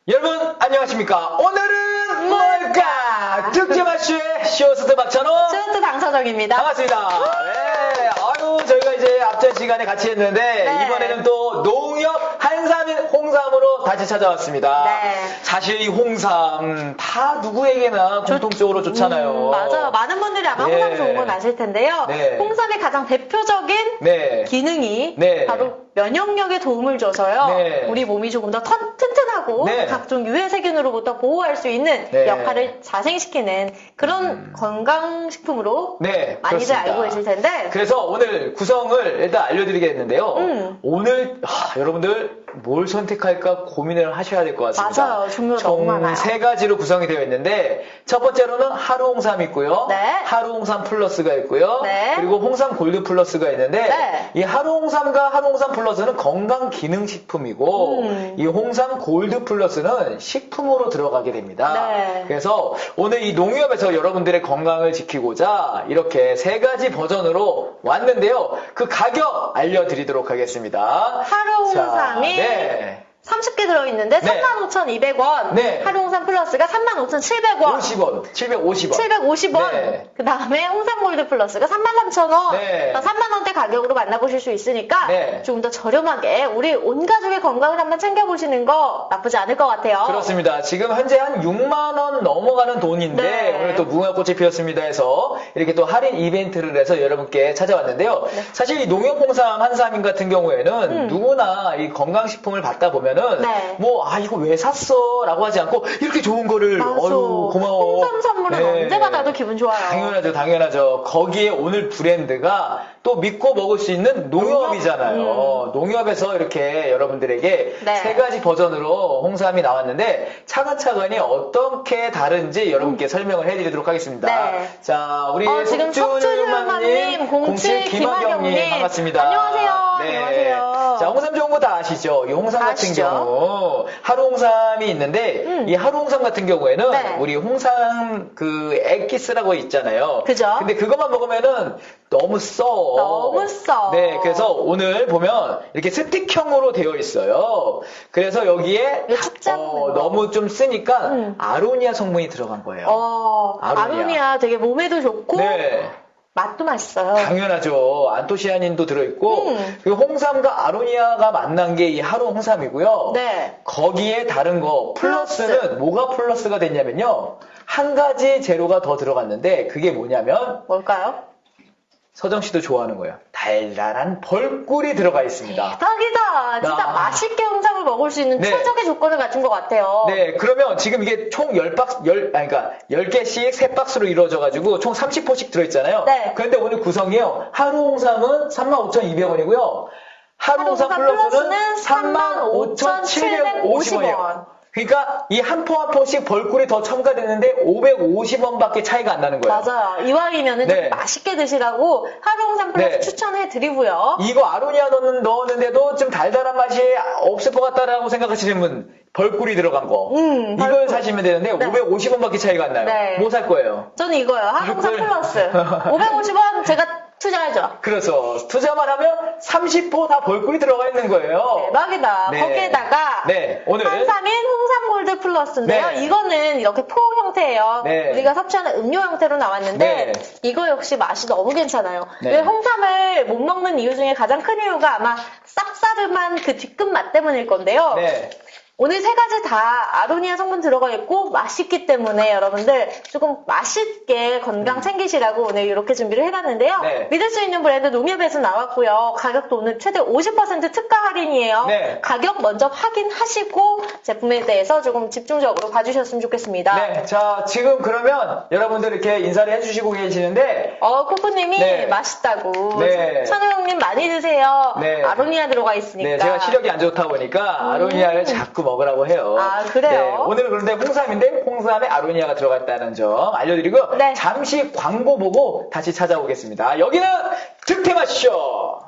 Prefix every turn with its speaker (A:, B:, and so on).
A: 여러분 안녕하십니까? 오늘은 뭘까? 득제마쇼의 쇼호스트 박찬호
B: 쇼호스트 강서정입니다.
A: 반갑습니다. 네, 아유 저희가 이제 앞전 시간에 같이 했는데
B: 네.
A: 이번에는 또 농협 한삼인 홍삼으로 다시 찾아왔습니다.
B: 네.
A: 사실 이 홍삼 다 누구에게나 공통적으로 좋잖아요.
B: 맞아요. 많은 분들이 아마
A: 네.
B: 홍삼 좋은 건 아실 텐데요.
A: 네.
B: 홍삼의 가장 대표적인
A: 네.
B: 기능이
A: 네.
B: 바로 면역력에 도움을 줘서요.
A: 네.
B: 우리 몸이 조금 더 튼튼하고
A: 네.
B: 각종 유해 세균으로부터 보호할 수 있는
A: 네.
B: 역할을 자생시키는 그런 건강식품으로
A: 네,
B: 많이들
A: 그렇습니다.
B: 알고 계실 텐데
A: 그래서 오늘 구성을 일단 알려드리겠는데요. 오늘 여러분들 뭘 선택할까 고민을 하셔야 될 것 같습니다.
B: 맞아요. 종류가 너무
A: 총
B: 많아요.
A: 3가지로 구성이 되어 있는데 첫 번째로는 하루 홍삼이 있고요.
B: 네.
A: 하루 홍삼 플러스가 있고요.
B: 네.
A: 그리고 홍삼 골드 플러스가 있는데
B: 네.
A: 이 하루 홍삼과 하루 홍삼 플러스는 건강 기능 식품이고 이 홍삼 골드 플러스는 식품으로 들어가게 됩니다.
B: 네.
A: 그래서 오늘 이 농협에서 여러분들의 건강을 지키고자 이렇게 3가지 버전으로 왔는데요. 그 가격 알려드리도록 하겠습니다.
B: 하루 홍삼이
A: 네.
B: 30개 들어있는데
A: 네.
B: 35,200원,
A: 네.
B: 하루 홍삼 플러스가 35,700원,
A: 50원, 750원.
B: 750원.
A: 네.
B: 그 다음에 홍삼 골드 플러스가 33,000원.
A: 네.
B: 3만원대 가격으로 만나보실 수 있으니까
A: 네.
B: 조금 더 저렴하게 우리 온 가족의 건강을 한번 챙겨보시는 거 나쁘지 않을 것 같아요.
A: 그렇습니다. 지금 현재 한 6만원 넘어가는 돈인데
B: 네.
A: 오늘 또 무궁화꽃이 피었습니다 해서 이렇게 또 할인 이벤트를 해서 여러분께 찾아왔는데요.
B: 네.
A: 사실 이 농협 홍삼 한삼인 같은 경우에는 누구나 이 건강식품을 받다 보면은
B: 네.
A: 이거 왜 샀어? 라고 하지 않고 이렇게 좋은 거를
B: 맞아.
A: 고마워.
B: 홍삼 선물은
A: 네.
B: 언제 받아도 기분 좋아요.
A: 당연하죠. 거기에 오늘 브랜드가 또 믿고 먹을 수 있는 농협이잖아요. 농협에서 이렇게 여러분들에게
B: 네.
A: 3가지 버전으로 홍삼이 나왔는데 차근차근히 어떻게 다른지 여러분께 설명을 해드리도록 하겠습니다.
B: 네.
A: 자, 우리
B: 지금 석준유마님, 07 김학영님
A: 반갑습니다.
B: 안녕하세요.
A: 네.
B: 안녕하세요.
A: 자, 홍삼 좋은 거 다 아시죠? 이 홍삼
B: 다
A: 같은
B: 아시죠?
A: 경우 하루 홍삼이 있는데 이 하루 홍삼 같은 경우에는
B: 네.
A: 우리 홍삼 그 액기스라고 있잖아요.
B: 그죠?
A: 근데 그것만 먹으면은 너무 써.
B: 너무 써.
A: 네, 그래서 오늘 보면 이렇게 스틱형으로 되어 있어요. 그래서 여기에
B: 이거 축 잡는 거.
A: 너무 좀 쓰니까 아로니아 성분이 들어간 거예요.
B: 아로니아 되게 몸에도 좋고
A: 네.
B: 맛도 맛있어요.
A: 당연하죠. 안토시아닌도 들어있고 그리고 홍삼과 아로니아가 만난 게 이 하루 홍삼이고요.
B: 네.
A: 거기에 다른 거 플러스는 뭐가 플러스가 됐냐면요. 한 가지 재료가 더 들어갔는데 그게 뭐냐면
B: 뭘까요?
A: 서정 씨도 좋아하는 거예요. 달달한 벌꿀이 들어가 있습니다.
B: 대박이다. 진짜 맛있게 홍삼을 먹을 수 있는
A: 네.
B: 최적의 조건을 갖춘 것 같아요.
A: 네, 그러면 지금 이게 총 10개씩 3박스로 이루어져가지고 총 30포씩 들어있잖아요.
B: 네.
A: 그런데 오늘 구성이요. 하루 홍삼은 35,200원이고요. 하루 홍삼 플러스는 35,750원이에요. 그러니까 이 한 포 한 포씩 벌꿀이 더 첨가됐는데 550원밖에 차이가 안 나는 거예요.
B: 맞아요. 이왕이면은
A: 네.
B: 좀 맛있게 드시라고 하루 홍삼 플러스
A: 네.
B: 추천해드리고요.
A: 이거 아로니아 넣었는데도 좀 달달한 맛이 없을 것 같다라고 생각하시는 분 벌꿀이 들어간 거 이걸
B: 벌꿀.
A: 사시면 되는데
B: 네.
A: 550원밖에 차이가 안 나요.
B: 네.
A: 뭐 살 거예요?
B: 저는 이거요. 하루 홍삼
A: 이걸-
B: 플러스. 550원 제가 투자하죠.
A: 그래서 투자만 하면 30포 다 벌꿀이 들어가 있는 거예요.
B: 대박이다.
A: 네.
B: 거기에다가
A: 네, 오늘
B: 한삼인 홍삼 골드 플러스인데요.
A: 네.
B: 이거는 이렇게 포 형태예요.
A: 네.
B: 우리가 섭취하는 음료 형태로 나왔는데
A: 네.
B: 이거 역시 맛이 너무 괜찮아요.
A: 네.
B: 왜 홍삼을 못 먹는 이유 중에 가장 큰 이유가 아마 쌉싸름한 그 뒤끝 맛 때문일 건데요.
A: 네.
B: 오늘 3가지 다 아로니아 성분 들어가 있고 맛있기 때문에 여러분들 조금 맛있게 건강 챙기시라고 오늘 이렇게 준비를 해봤는데요.
A: 네.
B: 믿을 수 있는 브랜드 농협에서 나왔고요. 가격도 오늘 최대 50% 특가 할인이에요.
A: 네.
B: 가격 먼저 확인하시고 제품에 대해서 조금 집중적으로 봐주셨으면 좋겠습니다.
A: 네, 자 지금 그러면 여러분들 이렇게 인사를 해주시고 계시는데
B: 코코님이
A: 네.
B: 맛있다고.
A: 네.
B: 찬호 형님 많이 드세요.
A: 네.
B: 아로니아 들어가 있으니까.
A: 네, 제가 시력이 안 좋다 보니까 아로니아를 자꾸 먹으라고 해요.
B: 아, 그래요?
A: 네, 오늘은 그런데 홍삼인데 홍삼에 아로니아가 들어갔다는 점 알려드리고
B: 네.
A: 잠시 광고 보고 다시 찾아오겠습니다. 여기는 득템하시죠.